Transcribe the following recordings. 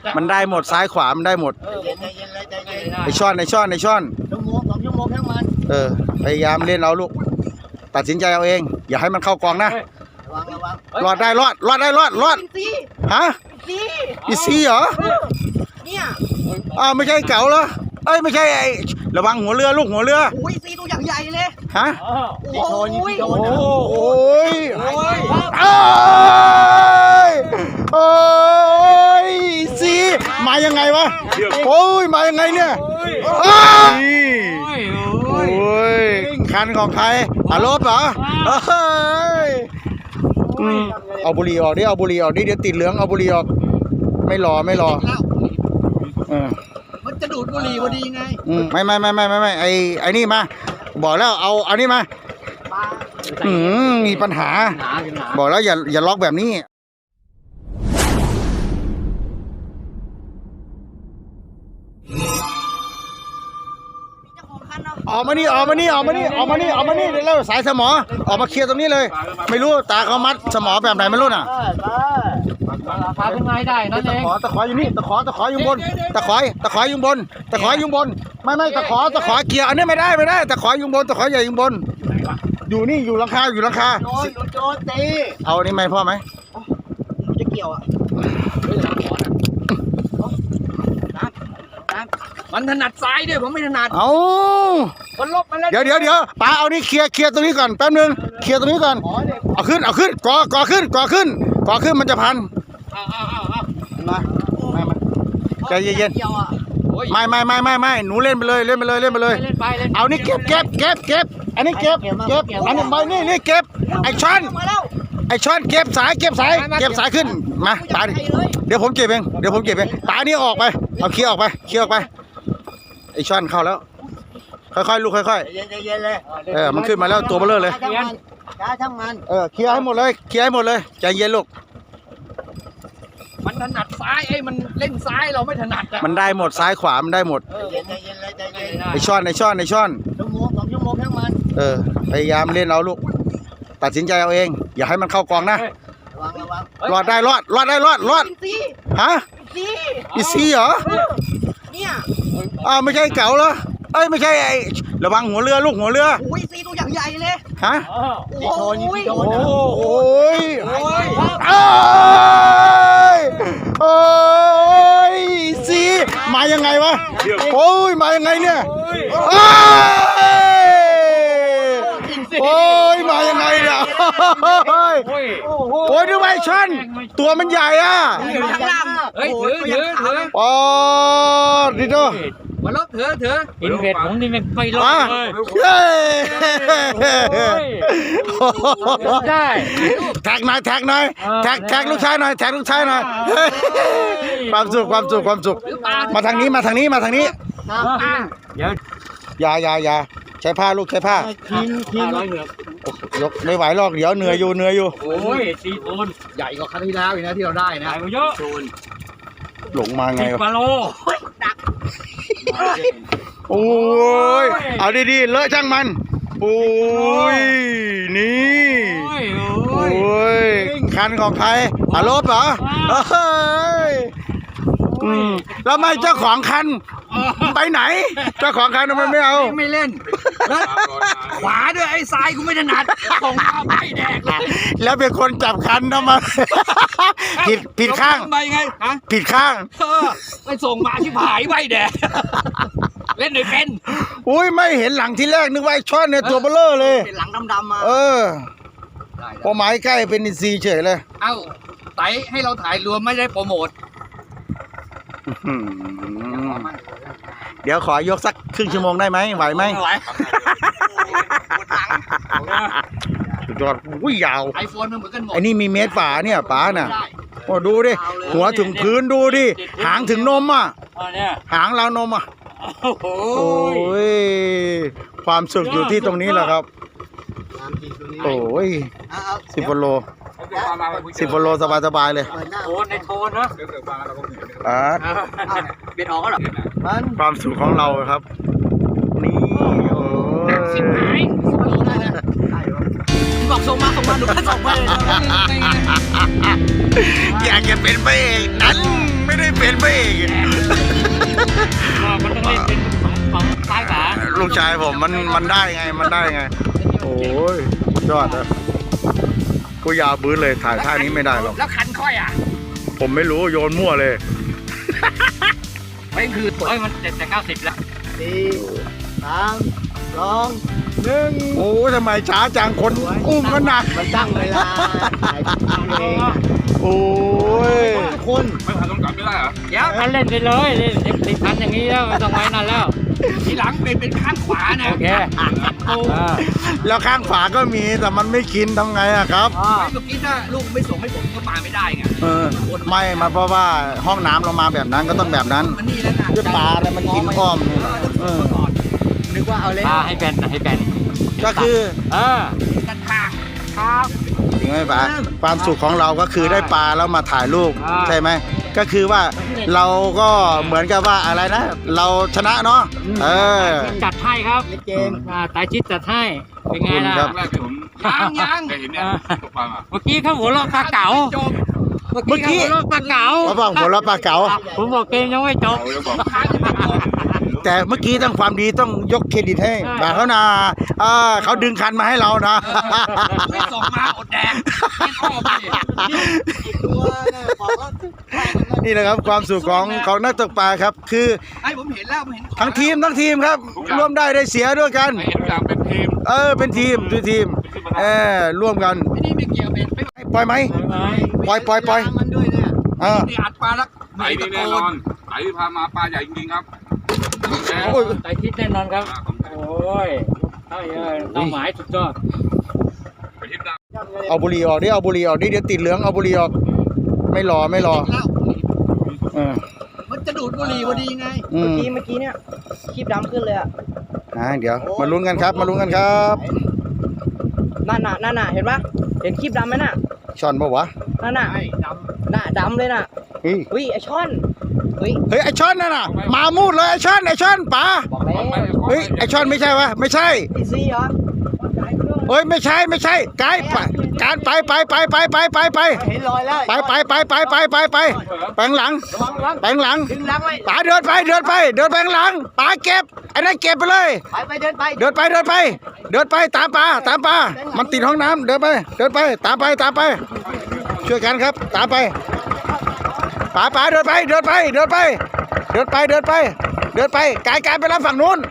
มันได้หมดซ้ายขวามันได้หมดไอช่อนชั่วโมง2 ชั่วโมงทั้งมันพยายามเล่นเอาลูกตัดสินใจเอาเองอย่าให้มันเข้ากองนะรอดได้รอดฮะอีซีเหรอเนี่ยไม่ใช่เก๋าเหรอไม่ใช่ไอระวังหัวเรือลูกหัวเรือโอ้ยซีตัวอย่างใหญ่เลยฮะโอ้ยโอ้ยซีมายังไงวะโอ้ยมายังไงเนี่ยโอ้ยคันของใครลบเหรอเอาบุหรี่ออกดิเอาบุหรี่ออกดิเดี๋ยวติดเหลืองเอาบุหรี่ออกไม่รอมันจะดูดบุหรี่พอดีไงไม่ไอ้นี่มาบอกแล้วเอาอันนี้มามีปัญหาบอกแล้วอย่าล็อกแบบนี้ออกมานี่เดี๋ยวสายสมอออกมาเคลียร์ตรงนี้เลยไม่รู้ตาเขามัดสมอแบบไหนไม่รู้น่ะพาขึ้นมาได้นั่นเองตะขออยู่นี่ตะขออยู่บนตะขออยู่บนไม่ตะขอเกียร์อันนี้ไม่ได้ตะขออยู่บนตะขอใหญ่อยู่บนอยู่นี่อยู่หลังคาโดนตีเอาอันนี้ไหมพ่อไหมจะเกี่ยวอ่ะมันถนัดซ้ายด้วยผมไม่ถนัดมันลบมาแล้วเดี๋ยวป้าเอานี่เคลียร์ตรงนี้ก่อนแป๊บนึงเคลียร์ตรงนี้ก่อนเอาขึ้นก่อขึ้นมันจะพันมาใจเย็นไม่หนูเล่นไปเลยเอานี่เก็บอันนี้เก็บอันนี้ใบนี่เก็บไอช้อนเก็บสายขึ้นมาตาดิเดี๋ยวผมเก็บเองตานี่ออกไปเอาเคลียร์ออกไปไอช้อนเข้าแล้วค่อยๆลูกค่อยๆเย็นเลยมันขึ้นมาแล้วตัวเบลอเลยช่างมันเคลียร์ให้หมดเลยใจเย็นลูกมันถนัดซ้ายมันเล่นซ้ายเราไม่ถนัดมันได้หมดซ้ายขวามันได้หมดไอช้อนชั่วโมง2 ชั่วโมงทั้งมันพยายามเล่นเอาลูกตัดสินใจเอาเองอย่าให้มันเข้ากองนะรอดได้รอดฮะอีซีเหรอเนี่ยไม่ใช่เก๋าเหรอไม่ใช่ไอระวังหัวเรือลูกหัวเรือโอ้ยซีตัวอย่างใหญ่เลยฮะโอ้ยซีมายังไงวะโอ้ยมายังไงเนี่ยโอ้ยมายังไงเนี่ยโอ้ยดูไอ้ชันตัวมันใหญ่ถือดิโตมาลบเถอะอินเวดผมนี่ไม่ลบเลยได้แท็กหน่อยแท็กลูกชายหน่อยความสุขมาทางนี้อย่าใช้ผ้าลูกใช้ผ้าทีมยกไม่ไหวหรอกเดี๋ยวเหนื่อยอยู่โอ้ยซีโทนใหญ่กว่าครั้งที่แล้วอีกนะที่เราได้นะเยอะหลงมาไงวะ10 โลโอ้ยเอาดีๆเลอะช่างมันโอ้ยนี่โอ้ยคันของใครลบเหรอแล้วไม่เจ้าของคันไปไหนเจ้าของคันมันไม่เอาไม่เล่นขวาด้วยไอ้ซ้ายกูไม่ถนัดของข้าไม่แดกแล้วเป็นคนจับคันทำไมผิดข้างไปไงผิดข้างไปส่งมาที่ผายไม่แดกเล่นหน่อยเป็นอุ้ยไม่เห็นหลังที่แรกนึกว่าไอ้ช้อนเนี่ยตัวเบลอเลยเห็นหลังดำๆมาพอหมายใกล้เป็นอินซีเฉยเลยเอ้าไต่ให้เราถ่ายรวมไม่ได้โปรโมทเดี๋ยวขอยกสักครึ่งชั่วโมงได้ไหมไหวไหมสุดยอดยาวไอโฟนมันเหมือนกันหมดไอ้นี่มีเมตรฝาเนี่ยป๋าน่ะโอ้ดูดิหัวถึงพื้นดูดิหางถึงนมหางราวนมโอ้ยความสุขอยู่ที่ตรงนี้แหละครับโอ้ย10 กิโลสบายเลยโทนในโทนนะเบ็ดออกก็หรอความสุขของเราครับนี่โอ้ยบอกส่งมาหนูก็ส่งมาเลยอยากจะเป็นพระเอกนั้นไม่ได้เป็นพระเอกินว่ามันต้องเล่นเป็นของซ้ายขวาลูกชายผมมันได้ไงมันได้ไง โอ้ยสุดยอดนะกูยาวบื้อเลยถ่ายท่านี้ไม่ได้หรอกแล้วคันค่อยอ่ะผมไม่รู้โยนมั่วเลยไม่คือตัวเฮ้ยมันจะ90แล้ว 4 3 2 1 โอ้ยทำไมช้าจังคนอุ้มกันหนักมันตั้งเวลาถ่ายเองโอ้ยทุกคนไม่ผ่านต้องกลับไม่ได้เหรอเดี๋ยวมันเล่นไปเลยเล่น10 พันอย่างนี้แล้วไม่ต้องไว้นั่นแล้วทีหลังเป็นข้างขวานะโอเคแล้วข้างฝาก็มีแต่มันไม่กินทำไงอะครับเมื่อกี้ถ้าลูกไม่ส่งให้ผมก็มาไม่ได้ไงไม่มาเพราะว่าห้องน้ำเรามาแบบนั้นก็ต้องแบบนั้นมันนี่แล้วนะด้วยปลาอะไรมันกินอ้อมนี่นึกว่าเอาเล่นให้แบนให้แบนก็คือกันทางครับจริงไหมป๋าความสุขของเราก็คือได้ปลาแล้วมาถ่ายรูปใช่ไหมก็คือว่าเราก็เหมือนกับว่าอะไรนะ เราชนะเนาะจัดให้ครับเกมตายชิดจัดให้เป็นไงล่ะครับแรกที่ผมยังเคยเห็นเนี่ยตกปลาอ่ะเมื่อกี้เขาหัวเราะปลาเก๋าเมื่อกี้เขาหัวเราะปลาเก๋าเขาบอกหัวเราะปลาเก๋าผมบอกเกมยังไม่จบเขาจะบอกค้างจะไม่จบแต่เมื่อกี้ต้องความดีต้องยกเครดิตให้บ่าเขานะเขาดึงคันมาให้เรานะไม่ส่งมาอดแดงไม่ชอบเลยตัวเนี่ยบอกว่านี่แหละครับความสุขของนักตกปลาครับ คือไอ้ผมเห็นแล้วผมเห็นทั้งทีมครับร่วมได้เสียด้วยกันเห็นอย่างเป็นทีมเป็นทีมร่วมกันไม่นี่ไม่เกี่ยวเป็นไม่ปล่อยไหมปล่อยมันด้วยเนี่ยนี่อัดปลาแล้วไหนนี่แน่นอนไหนที่พามาปลาใหญ่จริงๆครับตายชิดแน่นอนครับโอ้ยใช่เลยเป้าหมายสุดยอดไปทิศดาวเอาบุหรี่ออกดิเอาบุหรี่ออกดิเดี๋ยวติดเหลืองเอาบุหรี่ออกไม่รอแล้วมันจะดูดบุหรี่พอดีไงอืมเมื่อกี้เนี่ยคลิปดำขึ้นเลยอ่ะเดี๋ยวมาลุ้นกันครับครับนั่นน่ะเห็นปะเห็นคลิปดำไหมน่ะช่อนปะวะนั่นน่ะน่ะดำเลยน่ะเฮ้ยอุ้ยไอช่อนเฮ้ยไอช่อนนั่นน่ะมามูดเลยไอช่อนป๋าบอกแล้วเฮ้ยไอช่อนไม่ใช่วะไม่ใช่อีซี่เหรอเฮ้ยไม่ใช่ไกด์การไปเห็นรอยแล้วไปแปลงหลังดึงหลังไว้ป๋าเดินไปแปลงหลังป๋าเก็บไอ้นั่นเก็บไปเลยไปเดินไปเดินไปตามปลามันติดห้องน้ำเดินไปตามไปช่วยกันครับตามไปป๋าเดินไปกายไปรับฝั่งนู้น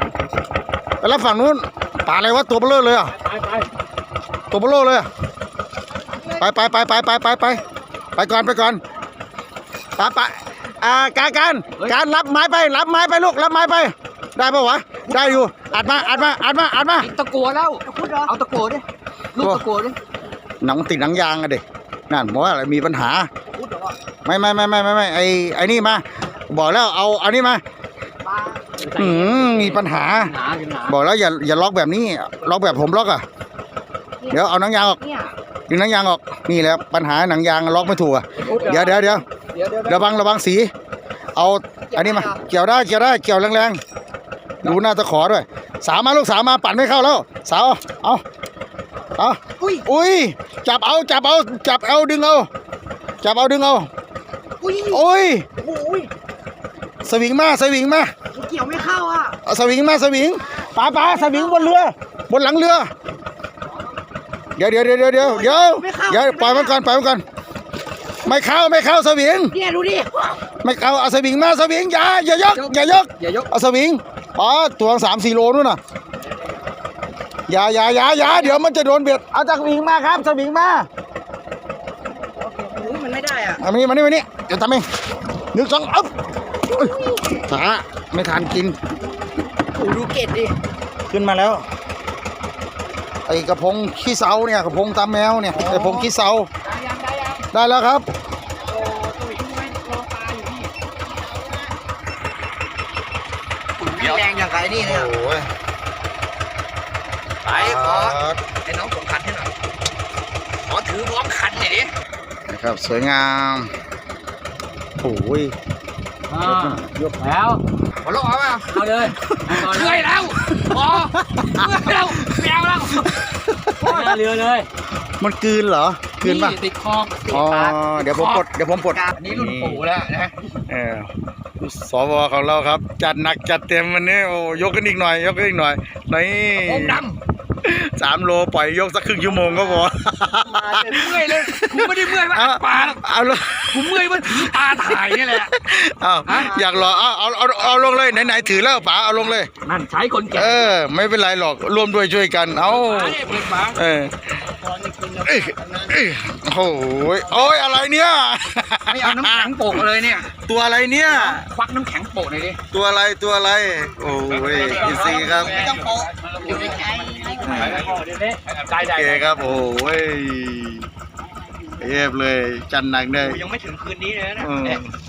ปลาอะไรวะตัวเบลอเลยอ่ะตัวเบลอเลยไปก่อนป๋าการรับไม้ไปลูกรับไม้ไปได้ปะวะได้อยู่อัดมาตะกัวแล้วเอาตะกัวดิลูกตะกัวดิหนังติดหนังยางอะเด็กนั่นบอกว่าอะไรมีปัญหาไม่ไอ้นี่มาบอกแล้วเอาอันนี้มามีปัญหาบอกแล้วอย่าล็อกแบบนี้ล็อกแบบผมล็อกอ่ะเดี๋ยวเอาหนังยางออกดึงหนังยางออกนี่แหละปัญหาหนังยางล็อกไม่ถูกอ่ะเดี๋ยวระวังสีเอาอันนี้มาเกี่ยวได้เกี่ยวแรงๆดูหน้าตะขอด้วยสาวมาลูกสาวมาปั่นไม่เข้าแล้วสาวเอาอุ้ยจับเอาดึงเอาอุ้ยสวิงมาเกี่ยวไม่เข้าอ่ะสวิงป๋าสวิงบนเรือบนหลังเรือเดี๋ยวปล่อยมันก่อนไม่เข้าสวิงเนี่ยดูดิไม่เข้าเอาสวิงมาอย่ายกเอาสวิงตัว3-4 โลนู่นน่ะอย่าเดี๋ยวมันจะโดนเบียดเอาจากสวิงมาครับสวิงมามันไม่ได้อ่ะมานี่เดี๋ยวทำเอง1 2อ๊บช้าไม่ทันกินดูเกล็ดดิขึ้นมาแล้วไอ้กระพงขี้เสาเนี่ยกระพงตามแมวเนี่ยกระพงขี้เสาได้แล้วครับแรงอย่างไรนี่เนี่ยโอ้ยไปขอไอ้น้องส่งคันให้หน่อยขอถือพร้อมคันหน่อยดินะครับสวยงามโอ้ยยกแล้วขอลงเอาเปล่าเอาเลยเลื่อยแล้วพอเลื่อยแล้วแมวแล้วหน้าเรือเลยมันกลืนเหรอคืนป่ะติดคออ๋อเดี๋ยวผมปลดอันนี้รุ่นปู่แล้วนะเออสวของเราครับ จัดหนักจัดเต็มวันนี้โอ้ยกกันอีกหน่อยนี่องค์ด 3 โลปล่อยยกสักครึ่งชั่วโมงก็พอำเมื่อยเลยกูไม่ได้เมื่อยว่าอัดปลาหรอกเอาเลยกูเมื่อยว่าถือปลาถ่ายนี่แหละอยากรอเอาลงเลยไหนถือแล้วป๋าเอาลงเลยนั่นใช้คนแก่ไม่เป็นไรหรอกร่วมด้วยช่วยกันเอาปลาเนี่ยเปิดปลาโอ้ยโอ้ยอะไรเนี่ยไม่เอาน้ำแข็งโปะเลยเนี่ยตัวอะไรเนี่ยควักน้ำแข็งโปะหน่อยดิตัวอะไรโอ้ยอินซีครับอยู่ในใจใจใหญ่โอเคครับโอ้ยเอฟเลยจันหนักเลยยังไม่ถึงคืนนี้เลยนะอืม